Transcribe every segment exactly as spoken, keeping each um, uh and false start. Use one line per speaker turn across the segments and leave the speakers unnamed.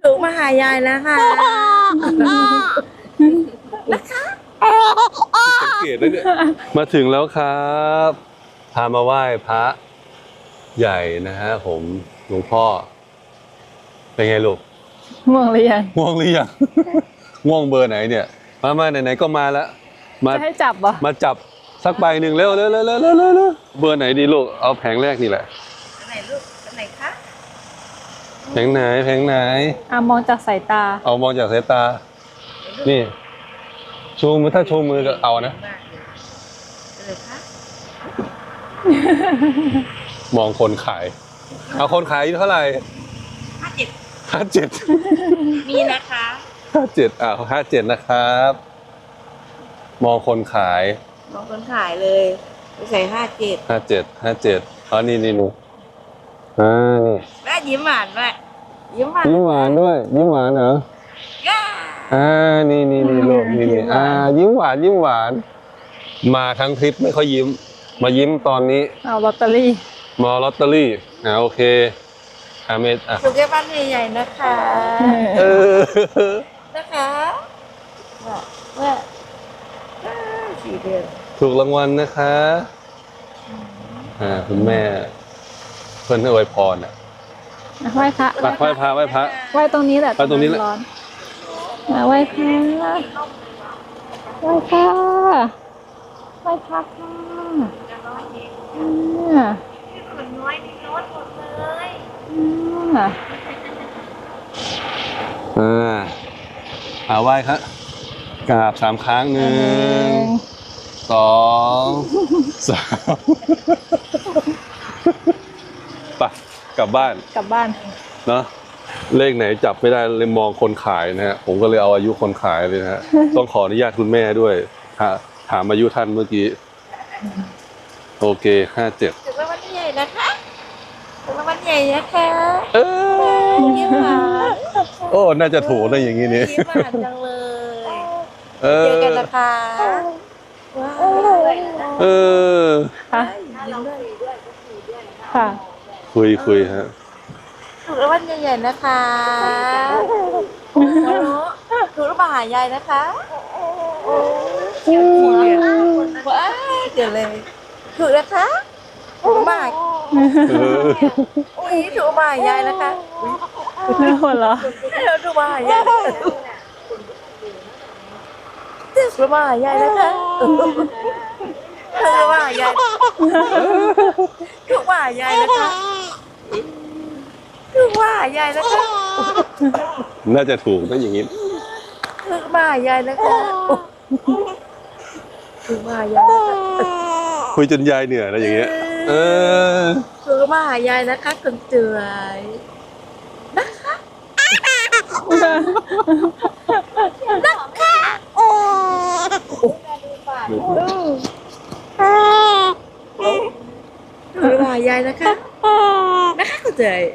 หนูมาหายายแล้วค่ะนะคะ
สังเกตนะเนี่ยมาถึงแล้วครับพามาไหว้พระใหญ่นะฮะผมหลวงพ่อเป็นไงลูก
ง่วงหรือยัง
ง่วงหรือยัง ง่วงเบอร์ไหนเนี่ยมามาไหนๆก็มาแล้วมา
จะให้จับเหรอ
มาจับสักใบหนึ่งเร็วเร็วเร็วเร็วเร็วเร็วเร็วเบอร์ไหนดีลูกเอาแผงแรกนี่แหละ
ไหนลูกไหนคะ
แผงไหนแผงไหน
อ่ะมองจากสายตา
เอามองจากสายตานี่ชูมือถ้าชูมือก็เอานะ
มากเลยเลยคะ
มองคนขายเอาคนขายเท่าไหร่
ห้าเจ็ด
ห้าเจ็ด
มีนะคะ
ห้าเจ็ดอ่าห้าเจ็ดนะครับ มองคนขาย
มองคนขายเลยไปใส่ห้าเจ็ด
ห้าเจ็ดห้าเจ็ดอ๋อนี่นี่หนูอ่านี่
แม่ยิ้มหวานด้วยยิ้มหวาน
ยิ้มหวานด้วยยิ้มหวานเหรอ
ย่า
อ่านี่นี่นี่ลูกนี่นี่อ่ายิ้มหวานยิ้มหวาน มาทั้งทริปไม่ค่อยยิ้ม มายิ้มตอนนี้
เอาลอตเตอรี่
มาลอตเตอรี่อ่าโอเคอาเมดอ่ะ
ถูกแค่บ้านใหญ่ๆนะคะ
เออ
นะคะว่าว่าอ้าวสี่เดือน
ถูกรางวัลนะคะอ่าคุณแม่เพื่อนให้อวยพรอ่ะ
ไหว้พระ
ไปไหว้พระไหว้พระ
ไหว้ตรงนี้แหละ
ไหว้ตรงนี้แหละ
ร้อนอ่ะไหว้พระไหว้พระไหว้พระค่ะอ่า
คนน้อยนี่รถหมดเลย
อ่า
อ่าอาไหว้ครับกราบสามครั้งหนึ่งสองสามไปกลับบ้าน
กลับบ้าน
เนาะเลขไหนจับไม่ได้เลยมองคนขายนะฮะผมก็เลยเอาอายุคนขายเลยนะฮะ ต้องขออนุญาตคุณแม่ด้วยถาถามอายุท่านเมื่อกี้โอเคห้าเจ็ด
ถูกรางวัลใหญ่นะคะถูกรางวัลใหญ่นะคะ
เออ
ยิ้มหวาน
โอ้น่าจะถูกนะอย่างนี้นี่
ยิ้มหวานจังเลย
เอ
เจ
อ
อกันนะคะว้าว
เออ
ค่ะ
ยิ้มด้วย
ค่ะ
คุยคุยฮะ
ถูกรางวัลใหญ่ๆนะคะโอ้โหถูกรางวัลหายายนะคะโอ้เขียวทีเดียวว้าวเดี๋ยวเลยถูกนะคะถูกมาก
เออ
อุ้ยถูกมาหายายนะคะอุ๊ย
ไม่หัวเหรอ
เราถูกมาหายายนะคะถูกมาหายายนะคะถูกมาหายายถูกมาหายายนะคะถูกมาหายายนะคะ
น่าจะถูกนะอย่างนี้
ถูกมาหายายนะคะถูกมาหายายนะคะ
คุยจนยายเหนื่อยนะอย่างเงี้ยเออ
ถูกมาหายายนะคะคนสวยนะคะถูกมาหายายนะคะนะคะคนสวย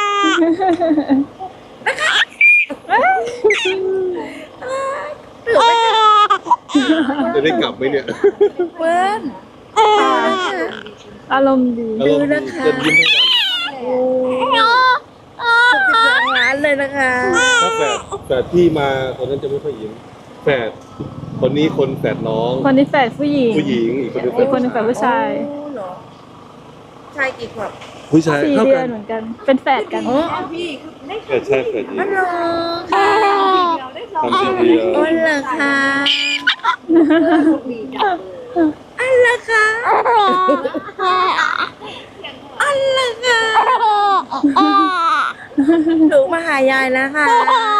นะคะถูกไหมคะ
จะได้กลับไหมเนี่ย
เปิ้ลนะคะ
อารมณ์ดี
ดูนะคะ
จะยิ้มทั้งวัน
โอ้ถูกสิบสองล้านเลยนะคะ
ถ้าแฝดแฝดพี่มาตอนนั้นจะไม่ค่อยยิ้มแฝดคนนี้คนแฝดน้อง
คนนี้แฝดผู้หญิง
ผู้หญิงอีกคนนึง
อีกคนหนึ่งแฝดผู้ชาย
โอ้เหรอชายกี่ขวบ
ผู้ชาย
สี่
เท่า
เดื
กั
อน
น
เหมือนกัน เป็นแฝดกัน
อ๋อ
แฝดชายแฝดหญิง
อ๋อเหรอค่ะ
ทำทีเดียว
อ๋อเหรอคะอันละคะอันละคะหนูมาหายายแล้วค่ะ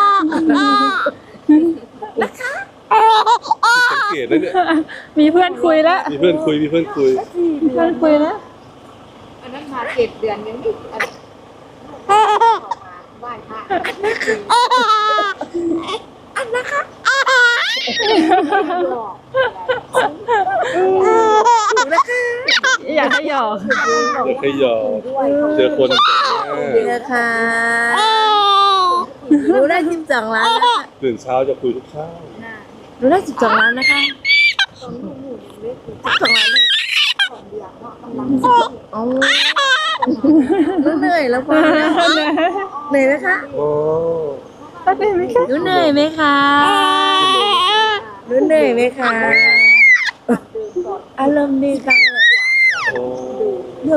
นะคะ
สังเกตนะเนี่ย
มีเพื่อนคุยแล้ว
มีเพื่อนคุยมีเพื่อนคุย
มีเพื่อนคุยแล้ว
อันนั้นมาเจ็ดเดือนยังไม่อันออกมาไหว้พระ
อันนะคะ
หลอก
หนูนะคะ
อยากให้หยอก
เดี๋ยวให้ยอม
ด้วย
เจอคนแปลกห
เดี๋
น้า
ยวค่ะหนูได้สิบสองล้านแล้วค่ะ
ตื่นเช้าจะคุยทุกเช้า
หนูได้สิบสองล้านนะคะ
ตอนนี้หนูเล็กอยู่
สิบสองล้านเลย
สองเดือนเนาะกำลัง
โอ้หนูเหนื่อยแล้วพอแล้วเหนื่อยไหมคะ
โอ้
ป้าเหนื่อยไหมคะ
หนูเหนื่อยไหมคะหนูเหนื่อยไหมคะอารมณ์ดีจังเลยโห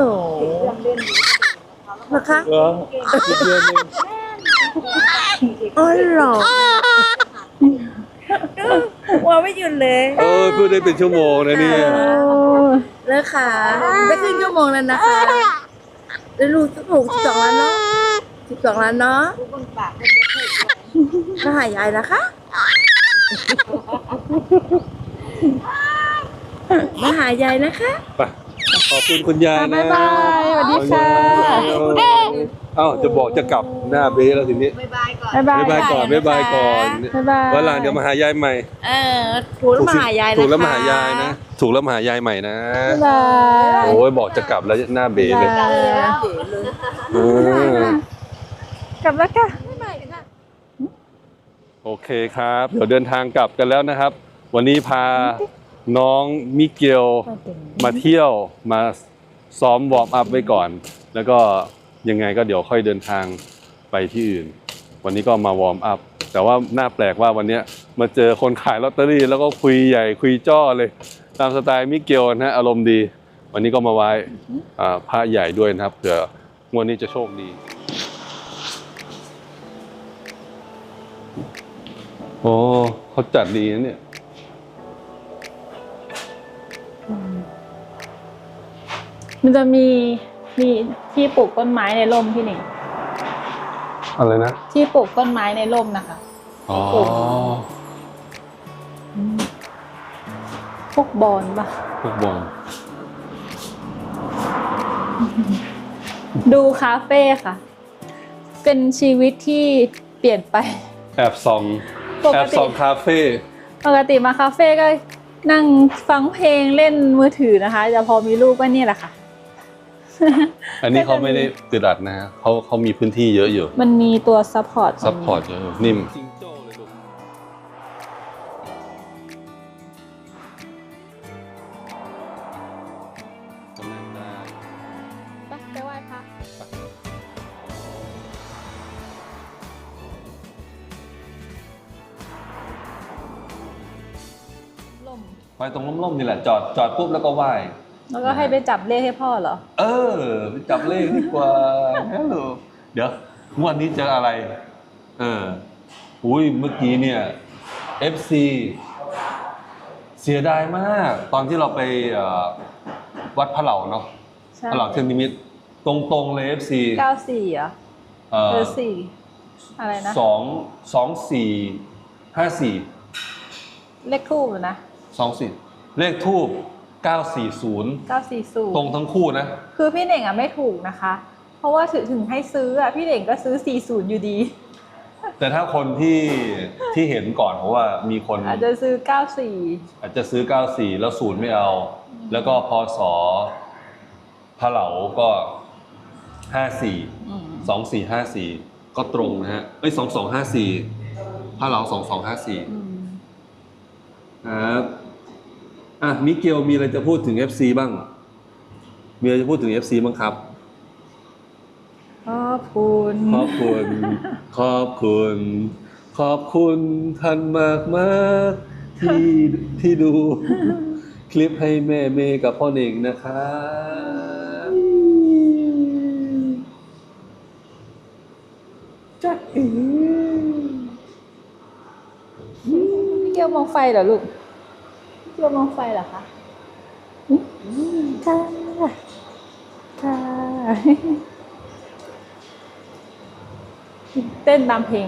นะคะ
เหรออีกเดือนหนึง
อ๋อเหรอว่าไม่หยุดเลย
เออพูดได้เป็นชั่วโมงนะเนี่ย
โอ้
เลิกค่ะได้ครึ่งชั่วโมงแล้วนะคะแล้วลูกถูกสิบสองล้านเนาะสิบสองล้านเนาะ
ลูกบนปากมันจะถูก
มาหายายนะคะมาหายายนะคะ
ไปขอบคุณคุณยายนะ
บ๊ายบายสวัสดีค่ะ
เอ้าจะบอกจะกลับหน้าเบ้แล้วทีนี้
บ๊ายบายก่อน
บ๊ายบาย
บ๊ายบายก่อนบ๊ายบายก่อน
บ๊ายบาย
วันหลังเดี๋ยวมาหายายใหม่
เออถูกแล้วมาหายายนะคะ
ถูกแล้วมาหายายนะ ถูกแล้วมาหายายใหม่นะ
บ๊ายบาย
โอ้ยบอกจะกลับแล้วหน้าเบ้เลย
บ๊ายบาย
เออก
ลับแล้วค่ะ
โอเคครับ เดี๋ยวเดินทางกลับกันแล้วนะครับ วันนี้พาน้องมิเกลมาเที่ยวมาซ้อมวอร์มอัพไว้ก่อน แล้วก็ยังไงก็เดี๋ยวค่อยเดินทางไปที่อื่น วันนี้ก็มาวอร์มอัพแต่ว่าน่าแปลกว่าวันนี้มาเจอคนขายลอตเตอรี่แล้วก็คุยใหญ่คุยจ้อเลย ตามสไตล์มิเกลนะฮะอารมณ์ดี วันนี้ก็มาไหว้อ่าพระใหญ่ด้วยนะครับเผื่องวดนี้จะโชคดี โอ้เขาจัดดีนะเนี่ย
มันจะมีมีที่ปลูกต้นไม้ในร่มพี่หนิง
อะไรนะ
ที่ปลูกต้นไม้ในร่มนะคะ
อ๋อ
พวกบอนปะ
พวกบอล
ดูคาเฟ่ค่ะ เป็นชีวิตที่เปลี่ยนไป
แอบส่อง
ปกติ
แอบส่องคาเฟ่
ปกติมาคาเฟ่ก็นั่งฟังเพลงเล่นมือถือนะคะแต่พอมีลูกก็เนี่ยแหละค่ะ
อันนี้เขาไม่ได้ติดอัดนะฮะเขาเขามีพื้นที่เยอะอยู่
มันมีตัวซัพพอร์ต
ซัพพอร์ตเยอะอยู่นิ่มจิงโจ้เลยลูกกำลังได้
ไปไปไหว้พระลม
ไปตรงร่มๆนี่แหละ จอดจอดปุ๊บแล้วก็ไหว้
แล้วก็ให้ไปจับเลขให้พ่อเหรอ
เออไปจับเลขดีกว่าฮัลโหลเดี๋ยวงวดนี้เจออะไร เอออุ้ยเมื่อกี้เนี่ย เอฟ ซี เสียดายมาก ตอนที่เราไปเอ่อวัดพระเหล่าเนาะ
ใช่
พระเหล่าเทยนนิมิตรตรงๆเลย เอฟ ซี
เก้าสี่เหรอ
เอ่
เอ
อ
อสี่อะไรนะ
สองสองสี่ห้าสี่
เลขทูบนะ
สองสี่เลขทูบเก้าสี่ศูนย์
เก้าสี่ศูนย์
ตรงทั้งคู่นะ
คือพี่เน่งอ่ะไม่ถูกนะคะ เพราะว่าถึงถึงให้ซื้ออ่ะพี่เน่งก็ซื้อสี่ศูนย์อยู่ดี
แต่ถ้าคนที่ที่เห็นก่อนเพราะว่ามีคน
อาจจะซื้อเก้าสี่
อาจจะซื้อเก้าสี่แล้วศูนย์ไม่เอา แล้วก็พศพระเหลาก็ห้าสี่สองสี่ห้าสี่ก็ตรงนะฮะเอ้ยสองสองห้าสี่พระเหลาสองสองห้าสี่ครับอ่ะมิเกลมีอะไรจะพูดถึง เอฟ ซี บ้าง มีอะไรจะพูดถึง เอฟ ซี บ้างครับ
ขอบคุณ
ขอบคุณ ขอบคุณ ขอบคุณท่านมากมากๆที่ที่ดู คลิปให้แม่เมย์กับพ่อเน่งนะครับจักอี
พี่เกียวมองไฟเหรอลูกพี่เกียวมองไฟเหรอคะค่ะค่ะเต้นตามเพลง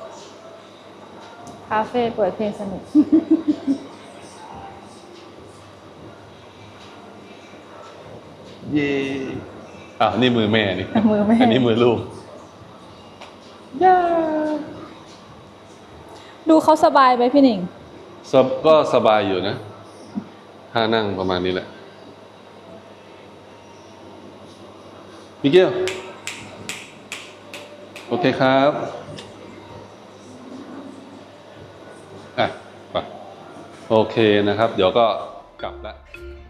คาเฟ่เปิดเพลงสนุก
เย่อ่ะนี่มือแม่นี่
มือแม่
อันนี้มือลูก
ย่าดูเขาสบายไหมพี่หนิง
สบก็สบายอยู่นะท่านั่งประมาณนี้แหละมิเกลโอเคครับอ่ะไปโอเคนะครับ เดี๋ยวก็กลับแล้ว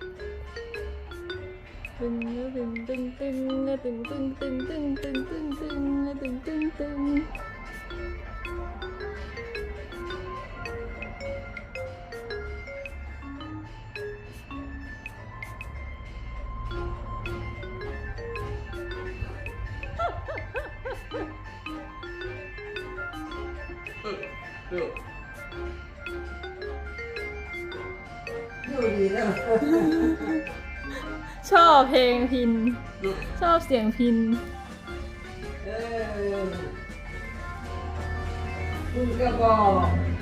ตึงตึงตึงตึงตึงตึงตึงตึงตึงตึงตึงตึงตึงตึง
อยู่ดีแล้ว
ชอบเพลงพิน ชอบเสียงพิน
เออคุณก็บอก